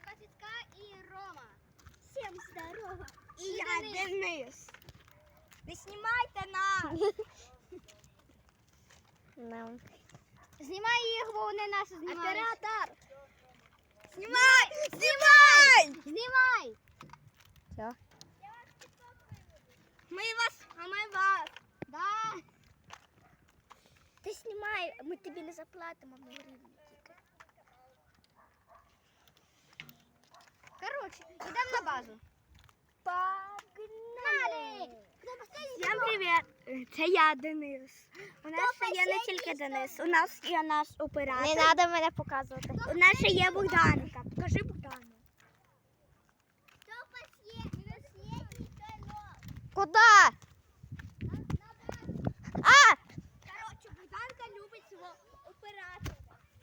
Пацицька і Рома. Всім здорово. І я Денис. Не знімайте нас. Знімай їх, бо вони нас знімають. Оператор. Знімай! Знімай! Знімай! Все. Ми вас, а ми вас. Да. Ти знімай, ми тобі не заплатимо, ми гривні тільки. Коротше, йдемо на базу. Погнали! Всім привіт! Це я, Денис. У нас ще є не тільки Денис, у нас є наш оператор. Не треба мене показувати. У нас ще є Богданка. Покажи Богдану. Куда? А! Коротше, Богданка любить свого оператора.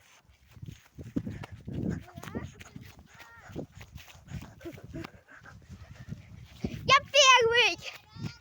Я первый!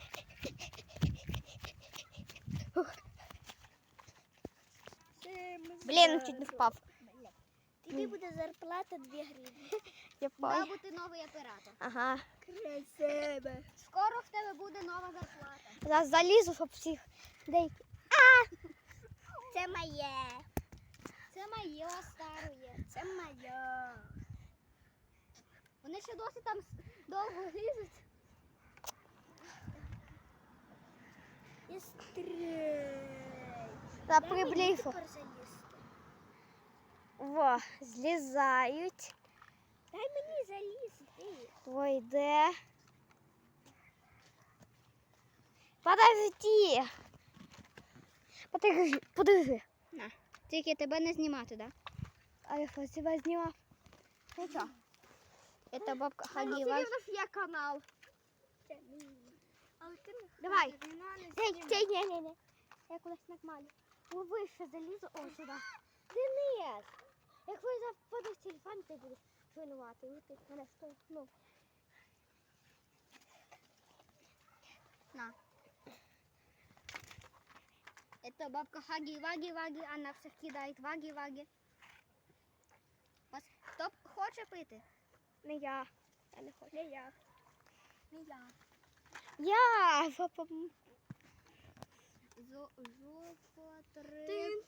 Блін, чуть не впав. Тобі буде зарплата 2 гривні. Я Має впав. бути новий оператор. Ага. Красиво. Скоро в тебе буде нова зарплата. Зараз залізу, щоб всіх деякі. Це моє. Це моє старе. Це моє. Вони ще досі там довго лізуть. І стрій. Та приблизу. Тепер залізти. Во, злізають. Дай мені залізти. Твой йде. Подожди. Подожди. Тільки тебе не знімати, так? А я що, тебе знімав? Ну що? Це бабка У Хагіва. нас є канал. Це мій. Але ти не Давай. ходи, не Ей, ні. Я кудись нормально. Ви вище залізу, о, сюди. Денис, як ви западеш телефон, ти будеш винувати. І ти мене штовхнув. На. Это бабка Хаги-Ваги-Ваги, она всех кидает Ваги-Ваги. Хто хоче пити? Не я. Я не хочу. Не я. Не я. Я. Жопотреб.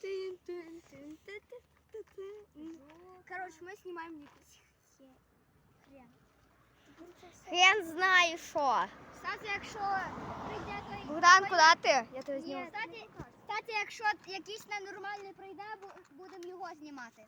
Короче, мы снимаем якийсь хрен. Хрен знаю що. Кстати, якщо прийде той... Богдан, куди ти? Я тебе Ні, зніму. кстати, якщо якийсь ненормальний прийде, будемо його знімати.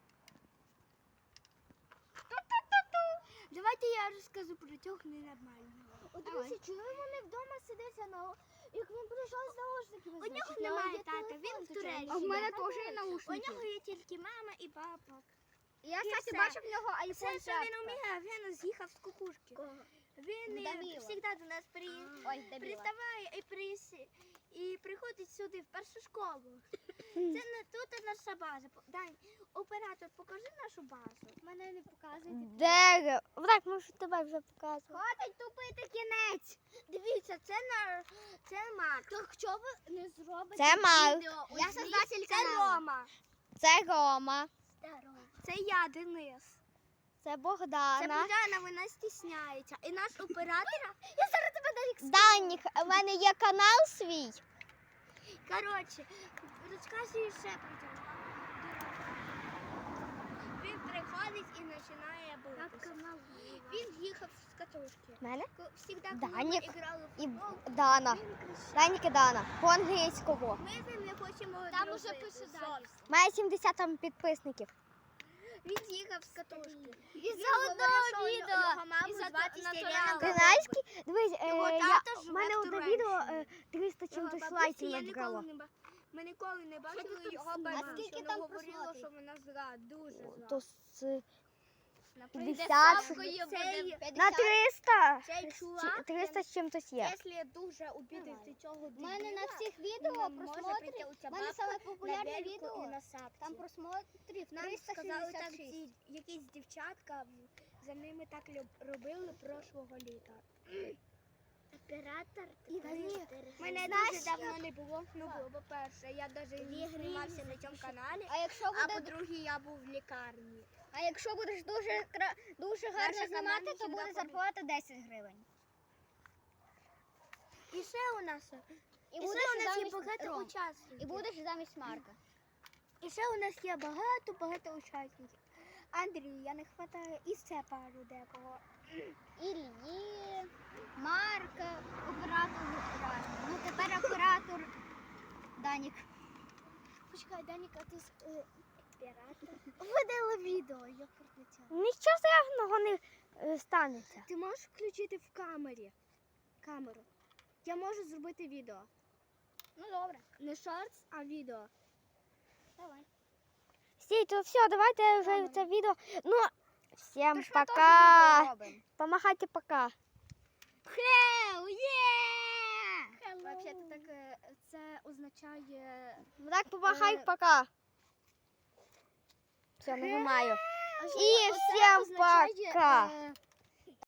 Давайте я розкажу про цього ненормального. От Давай. дивіться, чому вони вдома сидять, як він прийшов з наушниками. У нього немає тата, він в Туреччині. А в мене теж є У наушники. нього є тільки мама і папа. Я, І кстати, все. бачив в нього Все, iPhone що він вміє, він з'їхав з кукушки. Він Даміло. завжди до нас Ой, дебіла. приставає і приходить сюди, в першу школу. Це не тут наша база. Дань, оператор, покажи нашу базу. Мене не показують. Де? Так, можу тебе вже показувати. Хватить тупити кінець. Дивіться, це Марк. Так чого ви не зробите Це Марк. відео? Я создатель Це каналу. Рома. Це Рома. Це я, Денис. Це Це Богдана. Богдана, вона стісняється. І наш оператор, Данік, у мене є канал свій. коротше, розказую ще про цього. Він приходить і починає битися. Він їхав з катушки. Мене? Всегда, коли Данік ми грали в і футбол, Дана. він кричав. Данік і Дана. По-англійському. Ми з ним не хочемо Там дружити, уже пише зовсім. Данік. Має 70 там підписників. Він їхав з катушки. Із-за одного відео. Його маму Із-за звати натурального. Селена. Ти знаєш, дивись, Його я, тато у живе мене в одне Туреччині. відео 300 Його чимось бабусі лайків я ніколи набрало. не ми ніколи не бачили тут його знімаєш? бабусю. А скільки Вона там говорила, просмотрів? що вона зла, дуже зла. То з Прийде 50. ставкою Цей- буде на 50. 300. Цей чувак, 300 з чимось є. якщо дуже обідати цього У мене дебіла, на всіх він відео нам може прийти просмотрів. оця У мене бабка саме популярне на велику і відео. на сапці. Там просмотрів Нам сказали так 366. ці якісь дівчатка, за ними так робили прошлого літа. Оператор Мене Знаєш, дуже давно не було. Ну, було, по-перше, я навіть не знімався на цьому каналі. А якщо А буде, по-друге, я був в лікарні. а якщо будеш дуже гарно Наша знімати, команда то буде завжди зарплата 10 гривень. І ще у нас, І і будеш ще у нас є замість багато Ром, учасників. І будеш замість Марка. І ще у нас є багато учасників. Андрію, я не хватаю і це пару декого. Ілії, Марка, оператор разний. Ну тепер оператор Данік. Почекай, Данік, а ти Оператор. видала відео, я пролетіла. Нічого страшного не станеться. Ти можеш включити в камеру? Я можу зробити відео. Ну добре, Не шортс, а відео. давай. Стій, то все, давайте вже це відео. Ну, всім Тож ми теж пока. відео робимо. Помахайте пока. Хелл, є! Взагалі, так це означає. Так, помахай пока. Все, нажимаю. І всім пока.